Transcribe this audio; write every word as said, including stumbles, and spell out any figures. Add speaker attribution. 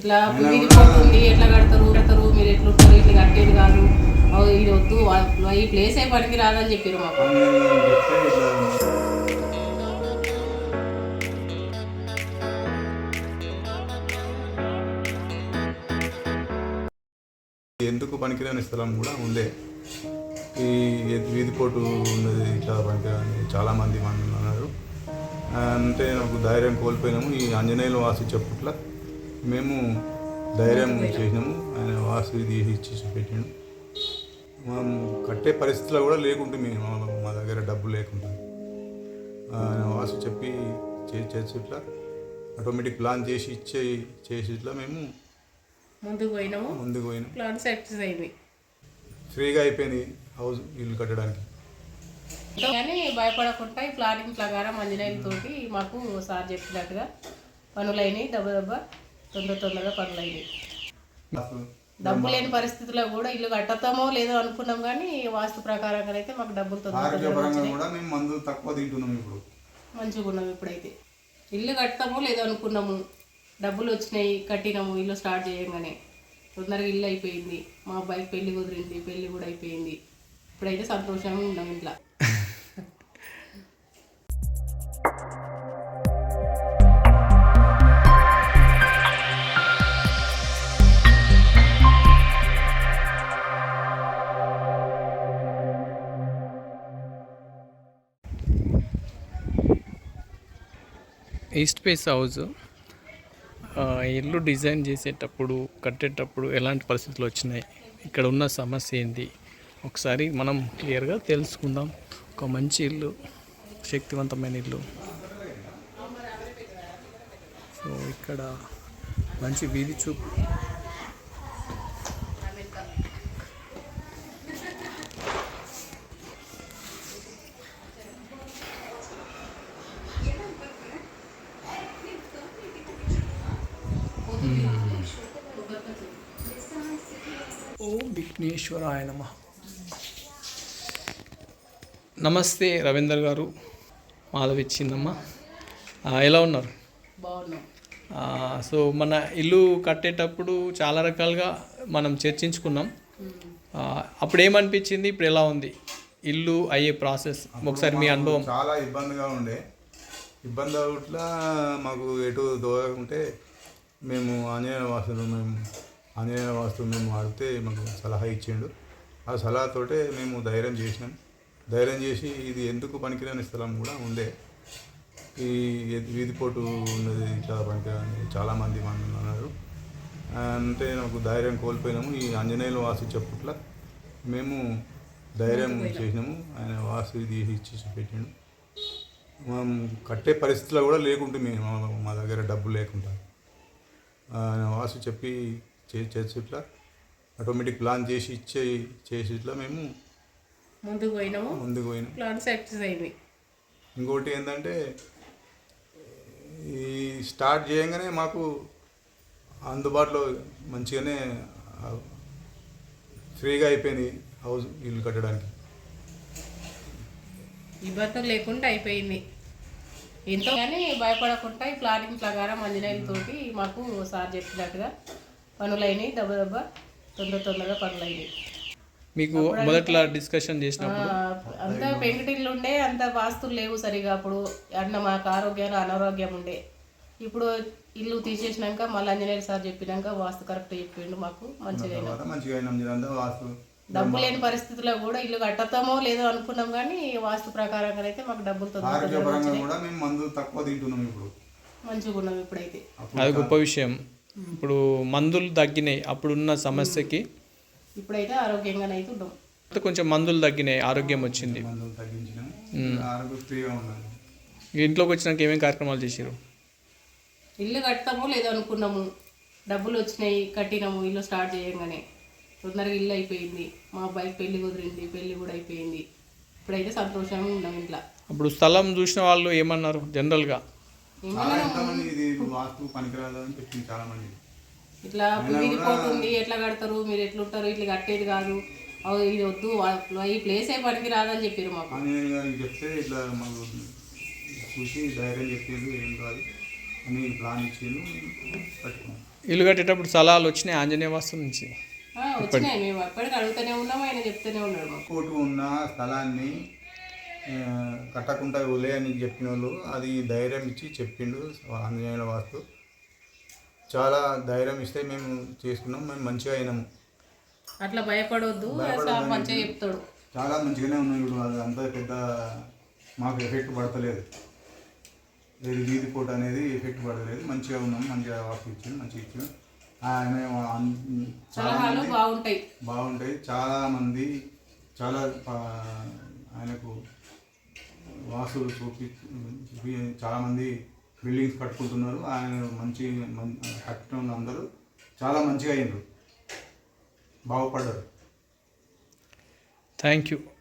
Speaker 1: ఇట్లా వీధి పోతుంది ఎట్లా కడతారు కడతారు మీరు ఎట్లుంటారు ఇట్లా కట్టేది కాదు ఇది వద్దు ఈ ప్లేస్ ఏ పనికి రాదని చెప్పారు మాకు.
Speaker 2: ఎందుకు పనికిరాని స్థలం కూడా ఉండే. ఈ వీధిపోటు ఉన్నది ఇట్లా పనికిరాని చాలామంది మంది అన్నారు. అంటే నాకు ధైర్యం కోల్పోయినాము. ఈ ఆంజనేయులు వాసి చెప్పుట్ల మేము ధైర్యం చేసినాము. ఆయన వాసు ఇది ఇచ్చి పెట్టాను. మనం కట్టే పరిస్థితిలో కూడా లేకుంటే మేము మా దగ్గర డబ్బు లేకుండా ఆయన వాసు చెప్పి చేసి ఇట్లా ఆటోమేటిక్ ప్లాన్ చేసి ఇచ్చే చేసి ఇట్లా మేము
Speaker 1: ముందుకు పోయినాము.
Speaker 2: ముందుకు పోయినాం.
Speaker 1: ప్లాన్ సక్సెస్ అయింది.
Speaker 2: ఫ్రీగా అయిపోయింది హౌస్ ఇల్లు కట్టడానికి.
Speaker 1: కానీ భయపడకుండా ఈ ప్లానింగ్ ప్రకారం ఆంజనేయులతోటి మాకు సార్ చెప్పినట్టుగా పనులైనవి దెబ్బ దెబ్బ తొందర తొందరగా పనులైనవి. డబ్బు లేని పరిస్థితిలో కూడా ఇల్లు కట్టతామో లేదో అనుకున్నాం కానీ వాస్తు ప్రకారంగా అయితే మాకు డబ్బులు తొందరగా మంచిగా ఉన్నాం. ఇప్పుడైతే ఇల్లు కడతామో లేదో అనుకున్నాము, డబ్బులు వచ్చినాయి, కట్టినాము, ఇల్లు స్టార్ట్ చేయగానే తొందరగా ఇల్లు అయిపోయింది. మా అబ్బాయికి పెళ్లి కుదిరింది, పెళ్లి కూడా అయిపోయింది. ఇప్పుడైతే సంతోషంగా ఉన్నాం ఇంట్లో.
Speaker 3: ఈస్ట్ ఫేస్ హౌస్ ఇల్లు డిజైన్ చేసేటప్పుడు కట్టేటప్పుడు ఎలాంటి పరిస్థితులు వచ్చినాయి, ఇక్కడ ఉన్న సమస్య ఏంటి ఒకసారి మనం క్లియర్గా తెలుసుకుందాం. ఒక మంచి ఇల్లు, శక్తివంతమైన ఇల్లు. సో ఇక్కడ మంచి వీధి చూపు, ఓం విఘ్నేశ్వరాయ నమః. నమస్తే రవీందర్ గారు, మాధవిచ్చిందమ్మ, ఎలా ఉన్నారు?
Speaker 1: బాగున్నాం.
Speaker 3: సో మన ఇల్లు కట్టేటప్పుడు చాలా రకాలుగా మనం చర్చించుకున్నాం. అప్పుడు ఏమనిపించింది, ఇప్పుడు ఎలా ఉంది ఇల్లు అయ్యే ప్రాసెస్? ఒకసారి మీ అనుభవం.
Speaker 2: చాలా ఇబ్బందిగా ఉండే. ఇబ్బంది అవుట్లా మాకు ఎటు దూరకుంటే మేము ఆంజనేయ వాసులు మేము ఆంజనేయ వాస్తువు మేము వాడితే మాకు సలహా ఇచ్చిండు. ఆ సలహాతోటే మేము ధైర్యం చేసినాం. ధైర్యం చేసి ఇది ఎందుకు పనికిరాని స్థలం కూడా ఉండే. ఈ వీధిపోటు ఉన్నది ఇట్లా పనికిరాని చాలామంది మంది అన్నారు. అంటే నాకు ధైర్యం కోల్పోయినాము. ఈ ఆంజనేయులు వాసు చెప్పుట్ల మేము ధైర్యం చేసినాము. ఆయన వాసు ఇది ఇచ్చి పెట్టాను. మనం కట్టే పరిస్థితిలో కూడా లేకుంటే మేము మా దగ్గర డబ్బు లేకుండా ఆయన వాసు చెప్పి చేసి ఇట్లా ఆటోమేటిక్ ప్లాన్ చేసి ఇచ్చే చేసి ఇట్లా మేము
Speaker 1: ముందుకు పోయినాము.
Speaker 2: ముందుకు పోయినాం.
Speaker 1: ప్లాన్ సక్సెస్ అయింది.
Speaker 2: ఇంకోటి ఏంటంటే ఈ స్టార్ట్ చేయగానే మాకు అందుబాటులో మంచిగానే ఫ్రీగా అయిపోయింది హౌస్ ఇల్లు కట్టడానికి.
Speaker 1: ఇబ్బందులు లేకుండా అయిపోయింది ఎంతో. కానీ భయపడకుండా ఈ ప్లానింగ్ ప్రకారం ఆంజనేయులతోటి మాకు సార్ చెప్పినట్టుగా పనులైనవి దెబ్బ దెబ్బ తొందర తొందరగా పనులైనవి.
Speaker 3: మీకు మొదట్లో డిస్కషన్ చేసినప్పుడు
Speaker 1: అంత పెంకుటిల్లు ఉండే, అంత వాస్తులు లేవు సరిగా. అప్పుడు అన్న మాకు ఆరోగ్యాలు అనారోగ్యం ఉండే. ఇప్పుడు ఇల్లు తీసేసినాక మళ్ళీ ఆంజనేయులు సార్ చెప్పినాక వాస్తు కరెక్ట్ చెప్పిండు మాకు. మంచిగా డబ్బు లేని పరిస్థితిలో కూడా ఇల్లు కట్టతామో లేదో అనుకున్నాం కానీ వాస్తు ప్రకారంగా అయితే మాకు డబ్బులు తొందరగా మంచిగా ఉన్నాం. ఇప్పుడైతే
Speaker 3: అది గొప్ప విషయం. ఇప్పుడు మందులు తగ్గినాయి అప్పుడున్న సమస్యకి,
Speaker 1: ఇప్పుడైతే ఆరోగ్యంగానే అయితే ఉన్నాం.
Speaker 3: కొంచెం మందులు తగ్గినాయి, ఆరోగ్యం వచ్చింది. ఇంట్లోకి వచ్చినాక ఏమేమి కార్యక్రమాలు చేసారు?
Speaker 1: ఇల్లు కడతామో లేదో అనుకున్నాము, డబ్బులు వచ్చినాయి, కట్టినాము, ఇల్లు స్టార్ట్ చేయగానే తొందరగా ఇల్లు అయిపోయింది. మా అబ్బాయికి పెళ్లి కుదిరింది, పెళ్లి కూడా అయిపోయింది. ఇప్పుడైతే సంతోషంగా ఉన్నాం ఇంట్లో.
Speaker 3: అప్పుడు స్థలం చూసిన వాళ్ళు ఏమన్నారు జనరల్గా?
Speaker 1: ఇట్లా వీధి పోతుంది ఎట్లా కడతారు మీరు ఎట్లుంటారు ఇట్లా కట్టేది కాదు ఇది వద్దు ఈ ప్లేస్ ఏ పనికి రాదని చెప్పారు మాకు.
Speaker 2: చెప్తే ఇట్లా మాకు చూసి ధైర్యం చెప్పేది ఏం కాదు అని ప్లాన్ ఇచ్చేది కట్టుకున్నాం.
Speaker 3: ఇల్లు కట్టేటప్పుడు సలహాలు వచ్చినాయి ఆంజనేయ వాస్తు నుంచి.
Speaker 1: ఆ, వచ్చినాయి. మేము అప్పటికి అడుగుతూనే ఉన్నాము, ఆయన చెప్తూనే ఉన్నాడు మాకు.
Speaker 2: కోటు ఉన్న స్థలాన్ని ఆ, కట్టకుండా ఉలే అని చెప్పిన వాళ్ళు అది ధైర్యం ఇచ్చి చెప్పిండు ఆంజనేయుల వాస్తు. చాలా ధైర్యం ఇస్తే మేము చేసుకున్నాం, మేము మంచిగా అయినాము.
Speaker 1: అట్లా భయపడొద్దు, సార్ మంచిగా చెప్తాడు.
Speaker 2: చాలా మంచిగానే ఉన్నాయి. ఇప్పుడు అది అంత పెద్ద మాకు ఎఫెక్ట్ పడతలేదు, ఇది వీధి కోట అనేది ఎఫెక్ట్ పడలేదు. మంచిగా ఉన్నాం, మంచిగా వాస్తు ఇచ్చింది, మంచిగా ఇచ్చింది. ఆయన అన్- చాలా
Speaker 1: సలహాలు
Speaker 2: మంది
Speaker 1: బాగుంటాయి.
Speaker 2: బాగుంటాయి. చాలామంది చాలా ఆ, ఆయనకు వాస్తులు చూపి చూపి చాలామంది బిల్డింగ్స్ కట్టుకుంటున్నారు. ఆయన మంచి మం- కట్టడం అందరూ చాలా మంచిగా అయినారు, బాగుపడ్డారు.
Speaker 3: Thank you.